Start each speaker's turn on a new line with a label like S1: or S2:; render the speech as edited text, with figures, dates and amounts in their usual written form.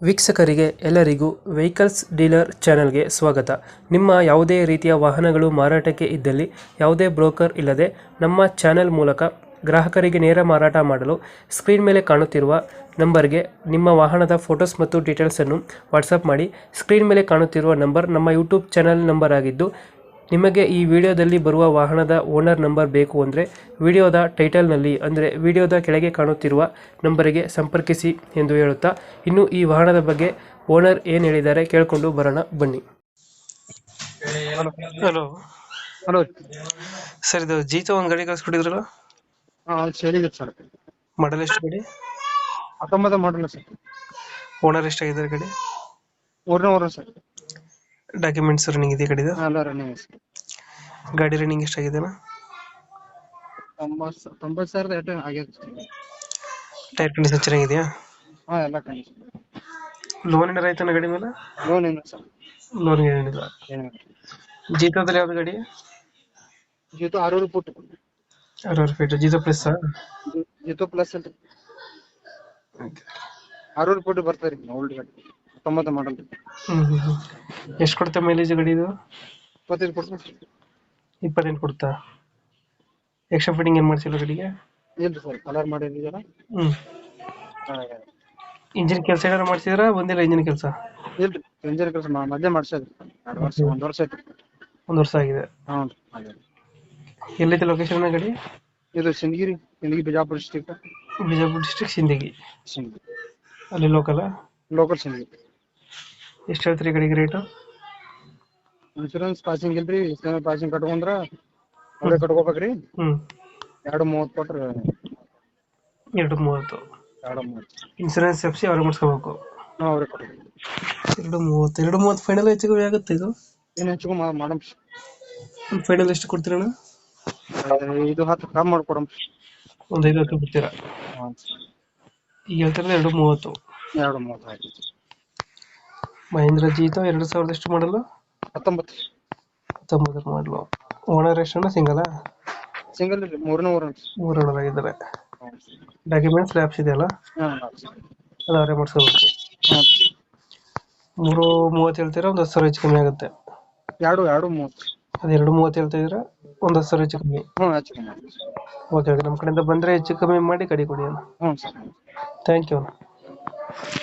S1: ವೀಕ್ಷಕರಿಗೆ ಎಲ್ಲರಿಗೂ vehicles dealer ಚಾನೆಲ್ಗೆ ಸ್ವಾಗತ. ನಿಮ್ಮ ಯಾವುದೇ ರೀತಿಯ ವಾಹನಗಳು ಮಾರಾಟಕ್ಕೆ ಇದ್ದಲ್ಲಿ ಯಾವುದೇ ಬ್ರೋಕರ್ ಇಲ್ಲದೆ ನಮ್ಮ ಚಾನೆಲ್ ಮೂಲಕ ಗ್ರಾಹಕರಿಗೆ ನೇರ ಮಾರಾಟ ಮಾಡಲು ಸ್ಕ್ರೀನ್ ಮೇಲೆ ಕಾಣುತ್ತಿರುವ ನಂಬರ್ಗೆ ನಿಮ್ಮ ವಾಹನದ ಫೋಟೋಸ್ ಮತ್ತು ಡೀಟೇಲ್ಸನ್ನು ವಾಟ್ಸಪ್ ಮಾಡಿ. ಸ್ಕ್ರೀನ್ ಮೇಲೆ ಕಾಣುತ್ತಿರುವ ನಂಬರ್ ನಮ್ಮ ಯೂಟ್ಯೂಬ್ ಚಾನೆಲ್ ನಂಬರ್ ಆಗಿದ್ದು, ನಿಮಗೆ ಈ ವಿಡಿಯೋದಲ್ಲಿ ಬರುವ ವಾಹನದ ಓನರ್ ನಂಬರ್ ಬೇಕು ಅಂದರೆ ವಿಡಿಯೋದ ಟೈಟಲ್ನಲ್ಲಿ ಅಂದರೆ ವಿಡಿಯೋದ ಕೆಳಗೆ ಕಾಣುತ್ತಿರುವ ನಂಬರಿಗೆ ಸಂಪರ್ಕಿಸಿ ಎಂದು ಹೇಳುತ್ತಾ, ಇನ್ನು ಈ ವಾಹನದ ಬಗ್ಗೆ ಓನರ್ ಏನು ಹೇಳಿದ್ದಾರೆ ಕೇಳಿಕೊಂಡು ಬರೋಣ ಬನ್ನಿ. Hello
S2: hello.
S1: ಸರ್, ಇದು ಜೀತೋ ಒಂದು ಗಾಡಿ ಕಳಿಸ್ಕೊಟ್ಟಿದ್ರಲ್ಲ,
S2: ಹೇಳಿದೆ ಸರ್.
S1: ಮಾಡಲ್ ಎಷ್ಟು ಗಾಡಿ?
S2: 19 ಮಾಡಲ್ಲ ಸರ್.
S1: ಓನರ್ ಎಷ್ಟಾಗಿದ್ದಾರೆ ಗಾಡಿ?
S2: ಮೂರನೇ ಸರ್.
S1: ಡಾಕ್ಯುಮೆಂಟ್ಸ್ ರನ್ನಿಂಗ್ ಇದೆ ಗಾಡಿದು?
S2: ಎಲ್ಲ ರನ್ನಿಂಗ್ ಸರ್.
S1: ಗಾಡಿ ರನ್ನಿಂಗ್ ಎಷ್ಟಾಗಿದೆ?
S2: 90,000 ಏಟು ಆಗ್ಯದ ಸರ್.
S1: ಟೈರ್ ಕಂಡೀಷನ್ ಚೆನ್ನಾಗಿದೆಯಾ?
S2: ಎಲ್ಲ ಕಂಡೀಷನ್.
S1: ಲೋನ್ ಏನಾರ ಆಯ್ತಾನ ಗಾಡಿ ಮೇಲೆ?
S2: ಲೋನ್ ಏನು ಸರ್?
S1: ಲೋನ್ ಏನಿಲ್ಲ.
S2: ಏನಿಲ್ಲ.
S1: ಜೀತೋದಲ್ಲಿ ಯಾವ್ದು ಗಾಡಿ?
S2: Jeeto 6 foot.
S1: 60 feet Jeeto plus?
S2: Jeeto plus ಅಲ್ರಿ. 6 ಫುಟ್ ಬರ್ತಾರೆ ಓಲ್ಡ್ ಗಾಡಿ. 19 ಮಾಡಲ್.
S1: ಎಷ್ಟು ಕೊಡುತ್ತೆ ಮೈಲೇಜ್ ಗಾಡಿ ಇದು?
S2: 25 ಕೊಡ್ತಾರೆ.
S1: 28 ಕೊಡ್ತಾ? ಎಕ್ಸ್ಟ್ರಾ ಫಿಟ್ಟಿಂಗ್ ಏನು ಮಾಡ್ಸಿಲ್ಲ ಗಾಡಿಗೆ?
S2: ಇಲ್ರಿ ಸರ್, ಕಲರ್ ಮಾಡಿದ್ದೀರ.
S1: ಇಂಜಿನ್ ಕೆಲಸ ಏನಾರು ಮಾಡ್ಸಿದ್ರಾ? ಬಂದಿಲ್ಲ ಇಂಜಿನ್ ಕೆಲಸ?
S2: ಇಲ್ರಿ, ಇಂಜಿನ್ ಕೆಲಸ ಮಧ್ಯೆ ಮಾಡ್ಸೋದು. 2 ವರ್ಷ 1 ವರ್ಷ ಆಯ್ತು.
S1: 1 ವರ್ಷ ಆಗಿದೆ.
S2: ಹ್ಞೂ.
S1: ಎಲ್ಲೈತೆ ಲೊಕೇಶನ್ ಗಾಡಿ?
S2: ಇದು ಸಿಂದಗಿ ಬಿಜಾಪುರ ಡಿಸ್ಟಿಕ್.
S1: ಬಿಜಾಪುರ ಡಿಸ್ಟ್ರಿಕ್ಟ್ ಸಿಂದಗಿ.
S2: ಸಿಂದಗಿ
S1: ಅಲ್ಲಿ ಲೋಕಲ್?
S2: ಲೋಕಲ್ ಸಿಂದಗಿ.
S1: ಎಷ್ಟು ಹೇಳ್ತೀರಿ ಗಾಡಿಗೆ ರೇಟು?
S2: ಇನ್ಶೂರೆನ್ಸ್ ಪಾಸಿಂಗ್ ಇಲ್ರಿ. ಪಾಸಿಂಗ್ ಕಟ್ಕೊಂಡ್ರ ಅವರೇ ಕಟ್ಕೋಬೇಕ್ರಿ. 230 ಕೊಟ್ರ
S1: 230.
S2: 230
S1: ಇನ್ಸೂರೆನ್ಸ್ ಎಫ್ಸಿ ಅವ್ರಿಗೆ ಮಾಡಿಸ್ಕೋಬೇಕು?
S2: ಅವ್ರೇ ಕಟ್ಬೇಕು.
S1: 230 ಫೈನಲ್ ಹೆಚ್ಚು ಕಮ್ಮಿ ಆಗುತ್ತೆ ಇದು?
S2: ಏನು ಹೆಚ್ಚು ಮಾಡಮ್.
S1: ಫೈನಲ್ ಎಷ್ಟು ಕೊಡ್ತೀರಣ್ಣ?
S2: ಇದು 10 ಕಮ್ಮಿ ಮಾಡ್ಕೊಡಮ್.
S1: ಒಂದು 5 ಬಿಡ್ತೀರಾ? ಈಗ ಹೇಳ್ತಿರೋದು 230.
S2: 230 ಆಯ್ತು.
S1: ಮಹೇಂದ್ರ ಜೀತೋ 2000 ಎಷ್ಟು ಮಾಡಲ್ಲ?
S2: 19
S1: ಮಾಡಲು. ಓನರ್ ಎಷ್ಟಣ್ಣ? ಸಿಂಗಲ್?
S2: ಸಿಂಗಲ್ ಇಲ್ರಿ, ಮೂರನೇ ಓನರ್.
S1: 3 ಓನರ್ ಆಗಿದ್ದಾರೆ. ಡಾಕ್ಯುಮೆಂಟ್ಸ್ ಲ್ಯಾಬ್ಸ್ ಇದೆಯಲ್ಲ, ಅದು ಅವರೇ ಮಾಡಿಸ್ಕೋಬೇಕು. 330 ಹೇಳ್ತೀರಾ? ಒಂದು 10,000 ಹೆಚ್ಚು ಕಮ್ಮಿ ಆಗುತ್ತೆ.
S2: 230.
S1: ಅದು 230 ಹೇಳ್ತಾ ಇದ್ದೀರಾ? ಒಂದು 10,000 ಹೆಚ್ಚು ಕಮ್ಮಿ?
S2: ಹೆಚ್ಚು ಕಮ್ಮಿ.
S1: ಓಕೆ, ನಮ್ಮ ಕಡೆಯಿಂದ ಬಂದರೆ ಹೆಚ್ಚು ಕಮ್ಮಿ ಮಾಡಿ ಗಾಡಿ ಕೊಡಿ ಅಣ್ಣ.
S2: ಸರ್.
S1: ಥ್ಯಾಂಕ್ ಯು ಅಣ್ಣ.